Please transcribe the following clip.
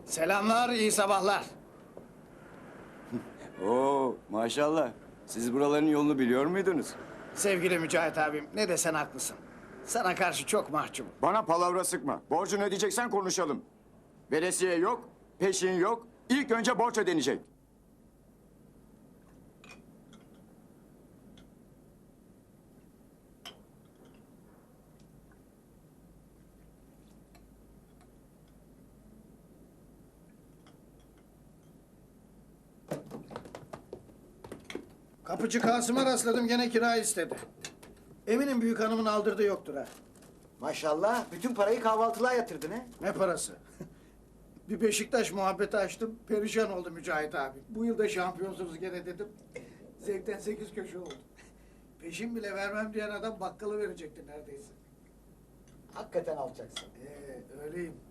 Selamlar, iyi sabahlar. Oo, maşallah. Siz buraların yolunu biliyor muydunuz? Sevgili Mücahit abim, ne desen haklısın. Sana karşı çok mahcubum. Bana palavra sıkma. Borcunu ödeyeceksen konuşalım. Veresiye yok, peşin yok. İlk önce borç ödenecek. Kapıcı Kasım'a rastladım, gene kira istedi. Eminim büyük hanımın aldırdığı yoktur ha. Maşallah bütün parayı kahvaltılığa yatırdın he. Ne parası? Bir Beşiktaş muhabbeti açtım, perişan oldu Mücahit abi. Bu yıl da şampiyonsunuz gene dedim. Zevkten 8 köşe oldu. Peşin bile vermem diyen adam bakkalı verecekti neredeyse. Hakikaten alacaksın. Öyleyim.